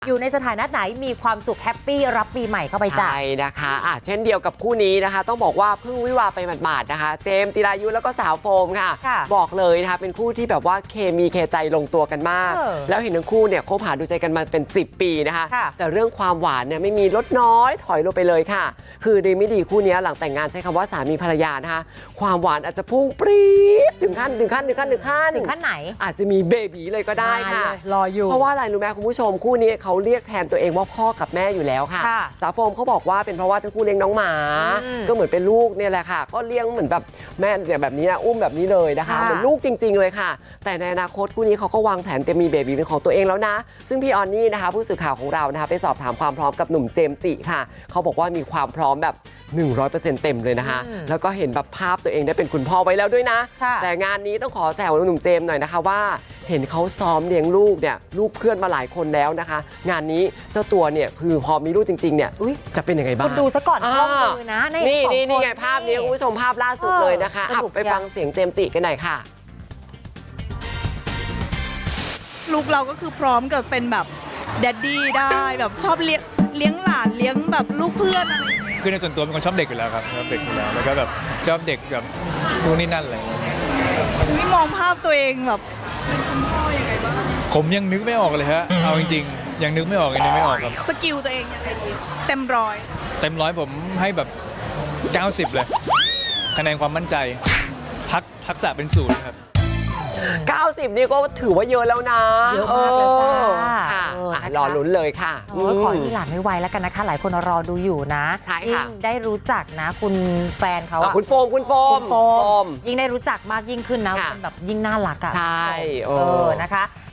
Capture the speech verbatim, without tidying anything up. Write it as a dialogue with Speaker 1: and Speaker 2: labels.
Speaker 1: อยู่ในสถานะไหนมีความสุขแฮปปี้รับปีใหม่เข้าไปจ้ะ
Speaker 2: ใช่นะคะอ่ะเช่นเดียวกับคู่นี้นะคะ ต้องบอกว่าเพิ่งวิวาไปหมาดๆนะคะ เจมส์จิรายุแล้วก็สาวโฟมค่ะ บอกเลยนะคะเป็นคู่ที่แบบว่าเคมีเคใจลงตัวกันมากแล้วเห็นทั้งคู่เนี่ยคบหาดูใจกันมาเป็นสิบปีนะคะแต่เรื่องความหวานเนี่ยไม่มีลดน้อยถอยลงไปเลยค่ะคือดีไม่ดีคู่นี้หลังแต่งงานใช้คำว่าสามีภรรยานะคะความหวานอาจจะพุ่งปรี๊ดถึงขั้นถึงขั้นถึงขั้นถึงขั้น
Speaker 1: ถึงขั้นไหน
Speaker 2: อาจจะมีเบบีเลยก็ได้ค่ะ
Speaker 1: รออยู่
Speaker 2: เพราะว่าอะไรรู้ไหมคุณผู้ชมคู่นี้เขาเรียกแทนตัวเองว่าพ่อกับแม่อยู่แล้วค่ะสาวโฟมเขาบอกว่าเป็นเพราะว่าทั้งคู่เลี้ยงน้องหมาก็เหมือนเป็นลูกเนี่ยแหละค่ะก็เลี้ยงเหมือนแบบแม่เนี่ยแบบนี้นะอุ้มแบบนี้เลยนะคะเหมือนลูกจริงๆเลยค่ะแต่ในอนาคตคู่นี้เขาก็วางแผนจะมีเบบีเป็นของตัวเองแล้วนะซึ่งพี่ออนนี่นะคะผู้สื่อข่าวของเรานะคะไปสอบถามความพร้อมกับหนุ่มเจมส์จิค่ะเขาบอกว่ามีความพร้อมแบบ หนึ่งร้อยเปอร์เซ็นต์ เต็มเลยนะคะแล้วก็เห็นแบบภาพตัวเองได้เป็นคุณพ่อไว้แล้วด้วยนะแต่งานนี้ต้องขอแซวหนุ่มเจมส์หน่อยนะคะว่าเห็นเขาซ้อมเลี้ยงลูกเนี่ยลูกเพื่อนมาหลายคนแล้วนะคะงานนี้เจ้าตัวเนี่ยคือพอมีลูกจริงๆเนี่ยจะเป็นยังไงบ้าง
Speaker 1: คุณดูซะก่อนกล้องมือนะ
Speaker 2: นี่นี่นี่ไงภาพนี้คุณผู้ชมภาพล่าสุดเลยนะคะไปฟังเสียงเจมส์จิกันหน่อยค่ะ
Speaker 3: ลูกเราก็คือพร้อมกับเป็นแบบแดดดี้ได้แบบชอบเลี้ยงเลี้ยงหลานเลี้ยงแบบลูกเพื่อนอะไร
Speaker 4: คือในส่วนตัวเป็นคนชอบเด็กอยู่แล้วครับชอบเด็กอยู่แล้วแล้วก็แบบชอบเด็กแบบนู่นนี่นั่นอะไร
Speaker 3: ไม่มองภาพตัวเองแบบเป็นคุณพ่อยังไงบ้าง
Speaker 4: ผมยังนึกไม่ออกเลยฮะเอาจริงๆยังนึกไม่ออกยังนึกไม่ออกครับ
Speaker 3: สกิลตัวเองยังไงดีเต็มร้อย
Speaker 4: เต็มร้อยผมให้แบบเก้าสิบเลยคะแนนความมั่นใจทักทักษะเป็นศูนย์ครับ
Speaker 2: เก้าสิบนี่ก็ถือว่าเยอะแล้วนะ
Speaker 1: เยอะมากเลยจ้า
Speaker 2: ค่ะรอลุ้นเลยค่ะ
Speaker 1: ขอที่หลานไม่ไวแล้วกันนะคะหลายคนรอดูอยู่นะยิ่งได้รู้จักนะคุณแฟนเขา
Speaker 2: คุณโฟมคุณโฟม
Speaker 1: ยิ่งได้รู้จักมากยิ่งขึ้นนะแบบยิ่งน่ารักอ่ะ
Speaker 2: ใช่
Speaker 1: เออนะคะ